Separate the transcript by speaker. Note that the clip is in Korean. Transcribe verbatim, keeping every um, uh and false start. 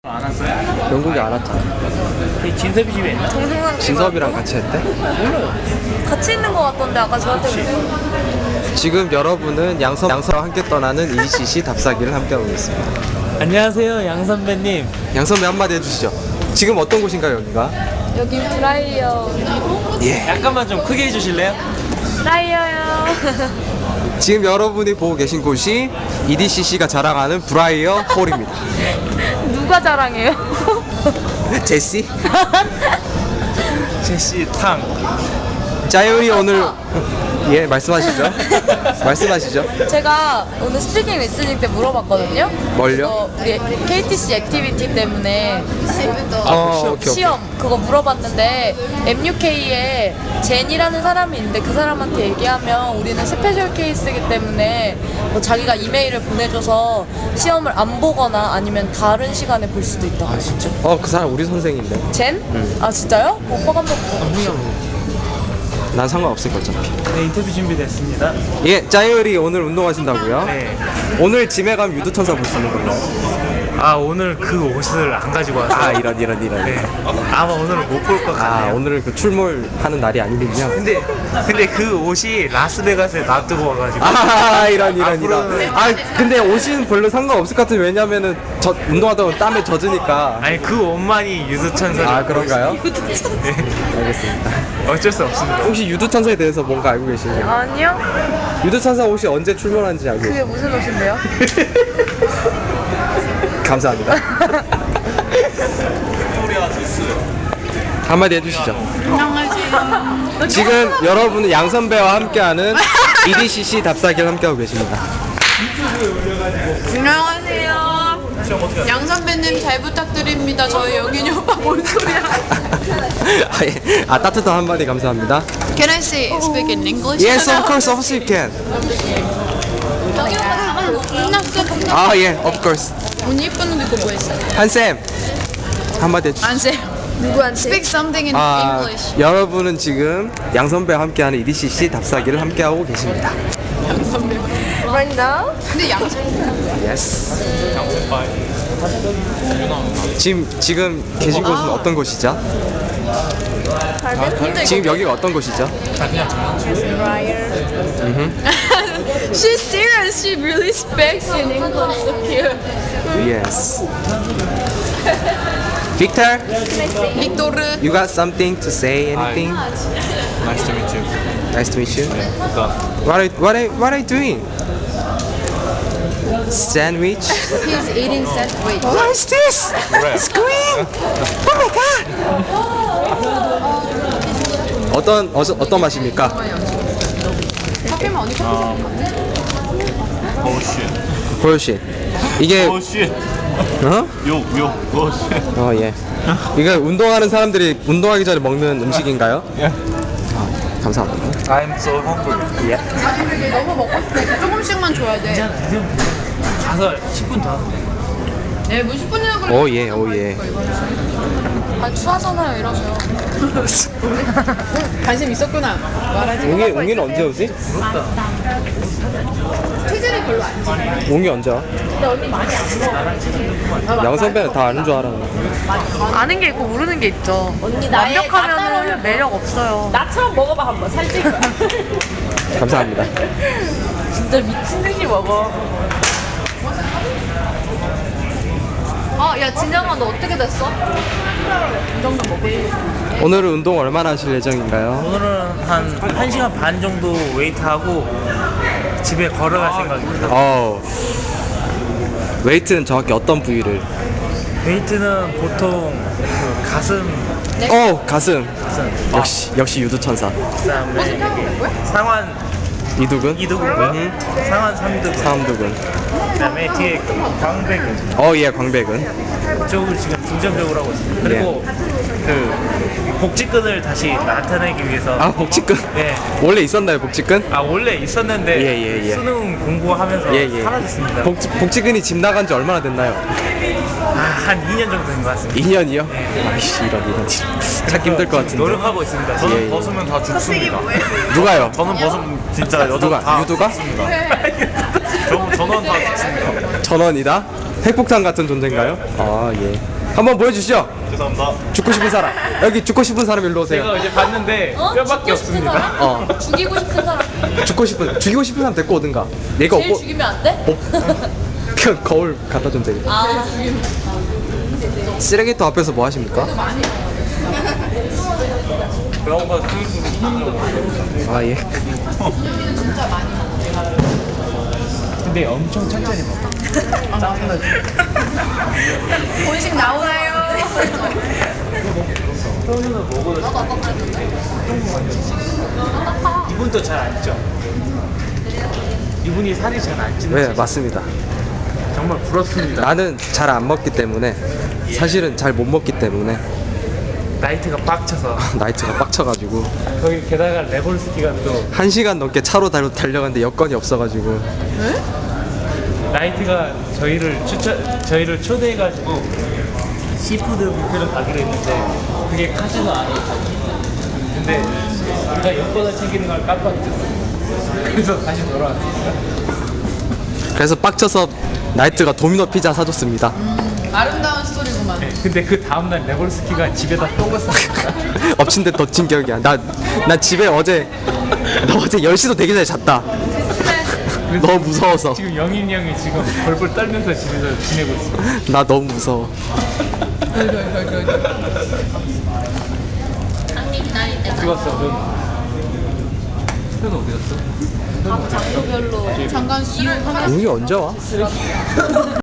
Speaker 1: 안 왔어요?
Speaker 2: 영국에 안 왔잖아.
Speaker 1: 그 진섭이 집에 있나?
Speaker 3: 정승환
Speaker 2: 진섭이랑 같이 했대?
Speaker 1: 몰라요.
Speaker 3: 같이 있는 것 같던데 아까 저한테
Speaker 2: 지금 여러분은 양섭, 양섭과 함께 떠나는 이씨씨 답사기를 함께하고 있습니다.
Speaker 1: 안녕하세요, 양 선배님.
Speaker 2: 양선배 한마디 해주시죠. 지금 어떤 곳인가요, 여기가?
Speaker 3: 여기 브라이어
Speaker 2: 예.
Speaker 1: 약간만 좀 크게 해주실래요?
Speaker 3: 브라이어요.
Speaker 2: 지금 여러분이 보고 계신 곳이 이디씨씨가 자랑하는 브라이어 홀입니다.
Speaker 3: 누가 자랑해요?
Speaker 2: 제시?
Speaker 1: 제시 탕.
Speaker 2: 자유이 오늘 예 말씀하시죠. 말씀하시죠.
Speaker 3: 제가 오늘 스피킹 리스닝 때 물어봤거든요.
Speaker 2: 뭘요?
Speaker 3: 어, 우리 케이티씨 액티비티 때문에
Speaker 2: 어, 오케이,
Speaker 3: 시험 그거 물어봤는데 엠유케이에 젠이라는 사람이 있는데 그 사람한테 얘기하면 우리는 스페셜 케이스이기 때문에 뭐 자기가 이메일을 보내줘서 시험을 안 보거나 아니면 다른 시간에 볼 수도 있다고. 아 진짜?
Speaker 2: 어, 그 사람 우리 선생인데.
Speaker 3: 젠? 아 진짜요? 오빠 한번 보고.
Speaker 2: 난 상관없을 것 어차피.
Speaker 1: 네, 인터뷰 준비됐습니다.
Speaker 2: 예, 자유이 오늘 운동하신다고요?
Speaker 1: 네.
Speaker 2: 오늘 짐에 가면 유두천사 볼 수 있는 건가요?
Speaker 1: 아, 오늘 그 옷을 안 가지고 왔어요.
Speaker 2: 아, 이런 이런 이런.
Speaker 1: 네. 아마 오늘 못 볼 것
Speaker 2: 아,
Speaker 1: 같아요.
Speaker 2: 오늘은 그 출몰하는 날이 아니군요.
Speaker 1: 근데 근데 그 옷이 라스베가스에 놔두고 와가지고.
Speaker 2: 아, 이런 이런 이런.
Speaker 1: 앞으로는-
Speaker 2: 아, 근데 옷은 별로 상관없을 것 같아요. 왜냐면은 저 운동하다 보면 땀에 젖으니까.
Speaker 1: 아니 그 옷만이 유두천사를.
Speaker 2: 아, 그런가요?
Speaker 1: 네.
Speaker 2: 알겠습니다.
Speaker 1: 어쩔 수 없습니다.
Speaker 2: 혹시 유두천사에 대해서 뭔가 알고 계신가요?
Speaker 3: 아니요.
Speaker 2: 유두천사 옷이 언제 출몰하는지 알고
Speaker 3: 그게
Speaker 2: 계세요?
Speaker 3: 무슨 옷인데요?
Speaker 2: 감사합니다. 한마디 해주시죠.
Speaker 3: 안녕하세요.
Speaker 2: 지금 여러분은 양 선배와 함께하는 이디씨씨 답사기를 함께하고 계십니다.
Speaker 4: 안녕하세요. 양 선배님 잘 부탁드립니다. 저희 영균이 오빠 뭔 소리야?
Speaker 2: 아, 예. 아, 따뜻한 한마디 감사합니다.
Speaker 4: Can I say speak in English?
Speaker 2: Yes, of course, of course you can.
Speaker 4: 영균이 오빠 가방 못 끝났어.
Speaker 2: 아, 예, of course.
Speaker 4: 옷 예쁜 옷 입고 뭐 했어?
Speaker 2: 한쌤, 한마디 해주시죠.
Speaker 4: 안 쌤.
Speaker 3: 누구한테?
Speaker 4: Speak something in
Speaker 2: 아,
Speaker 4: English.
Speaker 2: 여러분은 지금 양 선배와 함께하는 이디씨씨 답사기를 함께하고 계십니다.
Speaker 3: Right now?
Speaker 4: 근데 양 선배.
Speaker 2: Yes. 지금 지금 계신 곳은 어떤 곳이죠? 지금 여기가 어떤 곳이죠?
Speaker 4: She's serious. She really speaks in English. So cute.
Speaker 2: Yes. Victor,
Speaker 4: 빅토르.
Speaker 2: you got something to say? Anything?
Speaker 1: Nice to meet you.
Speaker 2: Nice to meet you. What are what are what are you doing? Sandwich.
Speaker 4: He's eating sandwich.
Speaker 2: What is this? It's green. Oh my god. 어떤 어, 어떤 맛입니까?
Speaker 4: 커피만 언니 커피
Speaker 1: Oh shit.
Speaker 2: 보여시. 이게
Speaker 1: Oh shit.
Speaker 2: 어?
Speaker 1: 욕, 욕. Oh shit.
Speaker 2: 어 예. 이거 운동하는 사람들이 운동하기 전에 먹는 음식인가요?
Speaker 1: Yeah.
Speaker 2: 감사합니다.
Speaker 1: I'm so hungry.
Speaker 2: 예.
Speaker 4: 너무 먹고 싶어. 조금씩만 줘야 돼.
Speaker 1: 가서 십 분 더.
Speaker 4: 네, 뭐 십 분이나 걸려.
Speaker 2: 오 예, 오 예.
Speaker 3: 아 추하잖아요 이러면.
Speaker 4: 관심 있었구나. 말하지.
Speaker 2: 웅이 웅이는 언제 오지?
Speaker 4: 체질이 별로 안 지.
Speaker 2: 웅이 언제 와? 양 선배는 다 아는 줄 알았는데.
Speaker 3: 아는 게 있고 모르는 게 있죠. 언니 완벽하면은 매력 없어요.
Speaker 5: 나처럼 먹어봐 한번 살찔 거야.
Speaker 2: 감사합니다.
Speaker 5: 진짜 미친 듯이 먹어.
Speaker 3: 어, 야 진영아 너 어떻게 됐어?
Speaker 2: 오늘은 운동 얼마나 하실 예정인가요?
Speaker 1: 오늘은 한 1시간 반 정도 웨이트하고 집에 걸어갈 생각입니다.
Speaker 2: 어. 웨이트는 정확히 어떤 부위를?
Speaker 1: 웨이트는 보통 그 가슴,
Speaker 2: 어, 가슴.
Speaker 1: 가슴,
Speaker 2: 역시 역시 유두천사.
Speaker 1: 그다음에 상완
Speaker 2: 이두근?
Speaker 1: 이두근,
Speaker 2: 음.
Speaker 1: 상완 삼두근,
Speaker 2: 삼두근.
Speaker 1: 그다음에 뒤에 광배근.
Speaker 2: 어, 예, 광배근.
Speaker 1: 그쪽을 지금 중점적으로 하고 있습니다. 그리고 그 복직근을 다시 나타내기 위해서.
Speaker 2: 아, 복직근?
Speaker 1: 네.
Speaker 2: 원래 있었나요, 복직근?
Speaker 1: 아 원래 있었는데
Speaker 2: 예, 예, 예.
Speaker 1: 수능 공부하면서
Speaker 2: 예, 예.
Speaker 1: 사라졌습니다.
Speaker 2: 복직, 복직근이 집 나간 지 얼마나 됐나요?
Speaker 1: 아, 한 이 년 정도 된 것 같습니다.
Speaker 2: 이 년이요? 아이씨, 이런, 이런. 찾기 힘들 것 같은데.
Speaker 1: 노력하고 있습니다. 저는
Speaker 2: 예, 예.
Speaker 1: 벗으면 다 죽습니다.
Speaker 2: 누가요?
Speaker 1: 저는 벗으면 진짜 여자
Speaker 2: 누가?
Speaker 1: 다
Speaker 2: 유두가?
Speaker 1: 죽습니다. 저, 저는 다 죽습니다.
Speaker 2: 전원이다? 핵폭탄 같은 존재인가요? 아 예. 한번 보여주시죠.
Speaker 1: 죄송합니다.
Speaker 2: 죽고 싶은 사람. 여기 죽고 싶은 사람 일로 오세요.
Speaker 1: 제가 이제 봤는데
Speaker 3: 어?
Speaker 1: 뼈밖에
Speaker 3: 죽고 싶은
Speaker 1: 없습니다.
Speaker 3: 사람?
Speaker 2: 어.
Speaker 3: 죽이고 싶은 사람.
Speaker 2: 죽고 싶은 죽이고 싶은 사람 데리고 오든가. 내가
Speaker 3: 제일
Speaker 2: 없고
Speaker 3: 죽이면 안 돼?
Speaker 2: 그냥 거울 갖다 좀 되게.
Speaker 3: 아,
Speaker 2: 쓰레기통 앞에서 뭐 하십니까?
Speaker 1: 그런 거
Speaker 2: 아 예.
Speaker 1: 근데 엄청 천천히 먹어.
Speaker 4: 본식 나오나요?
Speaker 1: 이분도 잘 안 쪄. 이분이 살이 잘 안 찌는.
Speaker 2: 네
Speaker 1: 네,
Speaker 2: 맞습니다.
Speaker 1: 정말 부럽습니다.
Speaker 2: 나는 잘 안 먹기 때문에 사실은 잘 못 먹기 때문에
Speaker 1: 나이트가 빡쳐서
Speaker 2: 나이트가 빡쳐가지고
Speaker 1: 거기 게다가 레볼스키가 또
Speaker 2: 한 시간 넘게 차로 달- 달려갔는데 여건이 없어가지고
Speaker 1: 나이트가 저희를 추천 저희를 초대해가지고 시푸드 뷔페를 가기로 했는데 그게 카지노 안에 있었어요. 근데 우리가 여권을 챙기는 걸 깜빡했어. 그래서 다시 돌아왔습니다.
Speaker 2: 그래서 빡쳐서 나이트가 도미노 피자 사줬습니다.
Speaker 4: 아름다운 스토리구만.
Speaker 1: 근데 그 다음날 레볼스키가 집에다 똥을 쌌습니다.
Speaker 2: 엎친 데 덮친 기억이야. 나, 나 집에 어제 나 어제 열 시도 되기 전에 잤다. 너무 무서워서.
Speaker 1: 지금 영인 형이 지금 벌벌 떨면서 집에서 지내고 있습니다.
Speaker 2: 나 너무 무서워.
Speaker 1: 죽었어. 넌. 넌 어디 갔어?
Speaker 3: 각 장소별로
Speaker 4: 잠깐 수를
Speaker 2: 용이 언제 와?